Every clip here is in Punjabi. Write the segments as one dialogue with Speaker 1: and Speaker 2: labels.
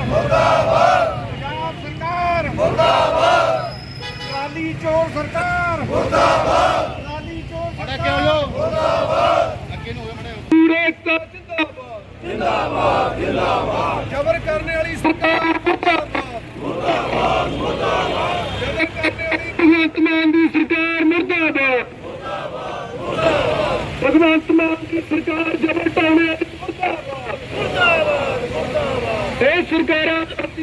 Speaker 1: मुर्दाबाद पंजाब सरकार मुर्दाबाद ट्राली चोर सरकार मुर्दाबाद ट्राली चोर सरकार मुर्दाबाद जिंदाबाद जिंदाबाद जबर करने वाली सरकार मुर्दाबाद मुर्दाबाद जबर करने वाली भगवंत मान की सरकार मुर्दाबाद भगवंत मान की सरकार जबर टाने मुर्दाबाद मुर्दाबाद ये सरकारां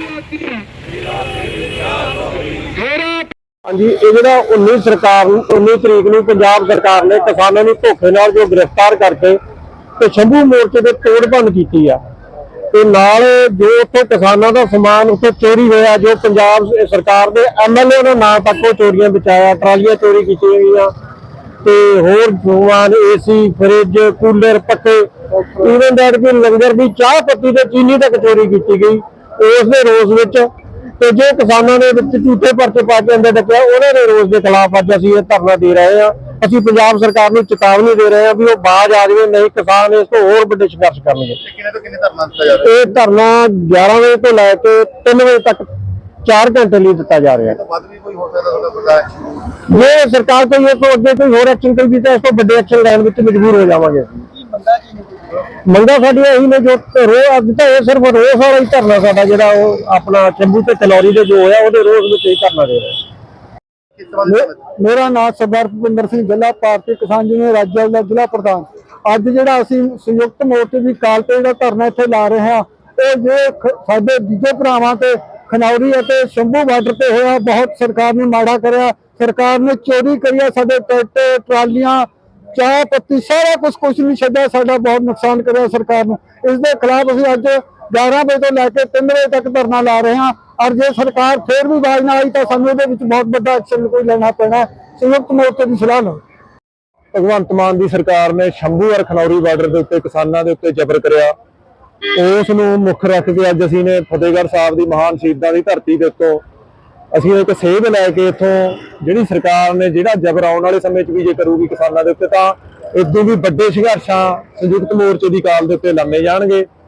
Speaker 2: ਹਾਂਜੀ ਇਹ ਜਿਹੜਾ 19 ਤਰੀਕ ਨੂੰ ਪੰਜਾਬ ਸਰਕਾਰ ਨੇ ਕਿਸਾਨਾਂ ਨੂੰ ਧੋਖੇ ਨਾਲ ਜੋ ਗ੍ਰਿਫਤਾਰ ਕਰਕੇ ਤੇ ਸ਼ੰਭੂ ਮੋਰਚੇ ਦੇ ਤੋੜ ਭੰਨ ਕੀਤੀ ਆ ਤੇ ਨਾਲ ਜੋ ਉੱਥੇ ਕਿਸਾਨਾਂ ਦਾ ਸਮਾਨ ਉੱਥੇ ਚੋਰੀ ਹੋਇਆ, ਜੋ ਪੰਜਾਬ ਸਰਕਾਰ ਦੇ ਐਮਐਲਏ ਦੇ ਨਾਂ ਤੱਕ ਉਹ ਚੋਰੀਆਂ ਬਚਾਇਆ, ਟਰਾਲੀਆਂ ਚੋਰੀ ਕੀਤੀਆਂ ਗਈਆਂ ਤੇ ਹੋਰ ਸਮਾਨ ਏਸੀ, ਫਰਿੱਜ, ਕੂਲਰ, ਪੱਖੇ, ਇਵਨ ਦੈਟ ਕਿ ਲੰਗਰ ਦੀ ਚਾਹ ਪੱਤੀ ਤੇ ਚੀਨੀ ਤੱਕ ਚੋਰੀ ਕੀਤੀ ਗਈ। ਉਸ ਦੇ ਰੋਸ ਵਿੱਚ ਤੇ ਜੋ ਕਿਸਾਨਾਂ ਨੇ ਵਿੱਚ ਝੂਠੇ ਪਰਚੇ ਪਾ ਕੇ ਅੰਦਰ ਡੱਕਿਆ, ਉਹਨਾਂ ਦੇ ਰੋਸ ਦੇ ਖਿਲਾਫ ਅੱਜ ਅਸੀਂ ਇਹ ਧਰਨਾ ਦੇ ਰਹੇ ਹਾਂ। ਅਸੀਂ ਪੰਜਾਬ ਸਰਕਾਰ ਨੂੰ ਚੇਤਾਵਨੀ ਦੇ ਰਹੇ ਹਾਂ ਵੀ ਉਹ ਬਾਜ਼ ਆ ਜਾਵੇ, ਨਹੀਂ ਕਿਸਾਨ ਇਸ ਤੋਂ ਹੋਰ ਵੱਡੇ ਸੰਘਰਸ਼ ਕਰਨਗੇ।
Speaker 1: ਕਿੰਨੇ ਤੋਂ ਕਿੰਨੇ ਧਰਨਾ ਦਿੱਤਾ ਜਾ ਰਿਹਾ?
Speaker 2: ਇਹ ਧਰਨਾ 11 ਵਜੇ ਤੋਂ ਲੈ ਕੇ 3 ਵਜੇ ਤੱਕ 4 ਘੰਟੇ ਲਈ ਦਿੱਤਾ ਜਾ ਰਿਹਾ ਹੈ।
Speaker 1: ਵੱਧ ਵੀ ਕੋਈ ਹੋ ਸਕਦਾ ਤੁਹਾਡਾ ਬਰਦਾਸ਼ਤ?
Speaker 2: ਜੇ ਸਰਕਾਰ ਕੋਈ ਇਸ ਤੋਂ ਅੱਗੇ ਕੋਈ ਹੋਰ ਐਕਸ਼ਨ ਕਰੇਗੀ ਤਾਂ ਇਸ ਤੋਂ ਵੱਡੇ ਐਕਸ਼ਨ ਲੈਣ ਵਿੱਚ ਮਜਬੂਰ ਹੋ ਜਾਵਾਂਗੇ। ਮੰਗਾਂ ਸਾਡੀਆਂ ਇਹੀ ਨੇ ਜੋ ਅੱਜ ਤਾਂ ਇਹ ਸਿਰਫ ਰੋਸ ਵਾਲਾ ਹੀ ਧਰਨਾ ਸਾਡਾ ਜਿਹੜਾ ਉਹ ਆਪਣਾ ਸ਼ੰਭੂ ਤੇ ਕਲੌਰੀ ਦੇ ਜੋ ਹੋਇਆ ਉਹਦੇ ਰੋਸ ਵਿੱਚ ਹੀ ਧਰਨਾ ਦੇ ਰਹੇ। ਮੇਰਾ ਨਾਮ ਸਰਦਾਰ ਭੁਪਿੰਦਰ ਸਿੰਘ ਜ਼ਿਲ੍ਹਾ ਭਾਰਤੀ ਕਿਸਾਨ ਯੂਨੀਅਨ ਰਾਜਾ ਦਾ ਜ਼ਿਲ੍ਹਾ ਪ੍ਰਧਾਨ। ਅੱਜ ਜਿਹੜਾ ਅਸੀਂ ਸੰਯੁਕਤ ਮੋਰਚੇ ਦੀ ਕਾਲ ਤੇ ਜਿਹੜਾ ਧਰਨਾ ਇੱਥੇ ਲਾ ਰਹੇ ਹਾਂ, ਇਹ ਜੇ ਸਾਡੇ ਦੂਜੇ ਭਰਾਵਾਂ ਤੇ ਖਨੌਰੀ ਅਤੇ ਸ਼ੰਭੂ ਬਾਰਡਰ ਤੇ ਹੋਇਆ, ਬਹੁਤ ਸਰਕਾਰ ਨੇ ਮਾੜਾ ਕਰਿਆ। ਸਰਕਾਰ ਨੇ ਚੋਰੀ ਕਰੀ, ਸਾਡੇ ਟਰੈਕਟਰ, ਟਰਾਲੀਆਂ, ਚਾਹ ਪੱਤੀ ਸਾਰਾ ਕੁਝ ਨਹੀਂ ਛੱਡਿਆ, ਸਾਡਾ ਬਹੁਤ ਨੁਕਸਾਨ ਕਰਿਆ ਸਰਕਾਰ ਨੂੰ। ਇਸ ਦੇ ਖਿਲਾਫ ਅਸੀਂ ਅੱਜ 11 ਵਜੇ ਤੋਂ ਲੈ ਕੇ 3 ਵਜੇ ਤੱਕ ਧਰਨਾ ਲਾ ਰਹੇ ਹਾਂ। ਔਰ ਜੇ ਸਰਕਾਰ ਫੇਰ ਵੀ ਬਾਜ਼ ਨਾ ਆਈ ਤਾਂ ਸਾਨੂੰ ਇਹਦੇ ਵਿੱਚ ਬਹੁਤ ਵੱਡਾ ਐਕਸ਼ਨ ਕੋਈ ਲੈਣਾ ਪੈਣਾ। ਸੰਯੁਕਤ ਮੋਰਚੇ ਦੀ ਸਲਾਹ ਲਓ। ਭਗਵੰਤ ਮਾਨ ਦੀ ਸਰਕਾਰ ਨੇ ਸ਼ੰਭੂ ਔਰ ਖਨੌਰੀ ਬਾਰਡਰ ਦੇ ਉੱਤੇ ਕਿਸਾਨਾਂ ਦੇ ਉੱਤੇ ਜ਼ਬਰ ਕਰਿਆ, ਉਸ ਨੂੰ ਮੁੱਖ ਰੱਖ ਕੇ ਅੱਜ ਅਸੀਂ ਨੇ ਫਤਿਹਗੜ੍ਹ ਸਾਹਿਬ ਦੀ ਮਹਾਨ ਸ਼ਹੀਦਾਂ ਦੀ ਧਰਤੀ ਦੇ ਉੱਤੋਂ ਅਸੀਂ ਇੱਕ ਸੇਧ ਲੈ ਕੇ ਇੱਥੋਂ ਜਿਹੜੀ ਸਰਕਾਰ ਨੇ ਜਿਹੜਾ ਜ਼ਬਰ ਆਉਣ ਵਾਲੇ ਸਮੇਂ 'ਚ ਵੀ ਜੇ ਕਰੂਗੀ ਕਿਸਾਨਾਂ ਦੇ ਉੱਤੇ ਤਾਂ ਇਦੋਂ ਵੀ ਵੱਡੇ ਸੰਘਰਸ਼ਾਂ ਸੰਯੁਕਤ ਮੋਰਚੇ ਦੀ ਕਾਲ ਦੇ ਉੱਤੇ ਲੰਮੇ ਜਾਣਗੇ।